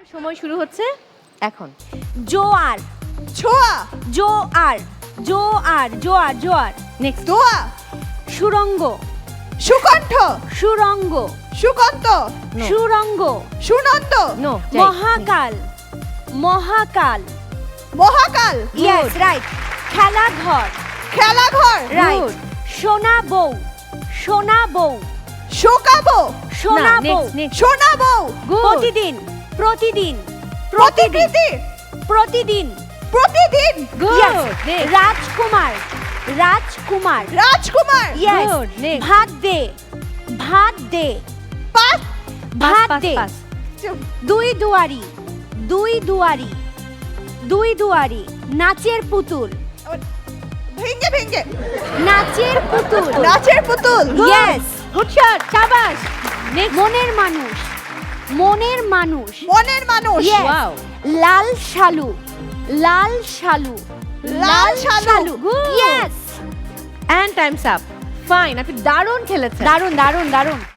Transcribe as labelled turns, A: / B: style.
A: সময় শুরু হচ্ছে এখন।
B: জোয়ার
C: ছোয়া
B: জোয়ার জোয়ার জোয়ার জোয়ার
A: নেক্সট।
C: দোয়া
B: সুরঙ্গ
C: সুকণ্ঠ
B: সুরঙ্গ
C: Sukanta
A: No.
B: Surongo
C: Sunanda
A: no.
B: Mahakal Mahakal
C: Mahakal
B: yes right Khelaghar
C: Khelaghar
B: right সোনা বউ সোনা বউ
C: শোকাবো
B: সোনা বউ
C: শোনাবো
B: প্রতিদিন প্রতিদিন
C: প্রতিকৃতি
B: প্রতিদিন
C: প্রতিদিন
B: Yes.
A: Next.
B: Rajkumar Rajkumar
C: Rajkumar
B: yes
A: Good. Next.
B: ভাত দে ভাত দে
C: পাস
B: ভাত দে দুই দুয়ারি দুই দুয়ারি দুই দুয়ারি নাচের পুতুল
C: ভেঙ্গে ভেঙ্গে
B: নাচের Putul
C: Nacher Putul
B: yes
A: good shot, শাবাশ। Next.
B: Moner Manush Moner Manush
C: Moner Manush
B: Yes.
A: Wow.
B: Lal Shalu Lal Shalu
C: Lal Shalu.
A: Good.
B: Yes
A: and time's up. Fine, আপনি দারুণ খেলেছেন।
B: দারুন দারুন দারুন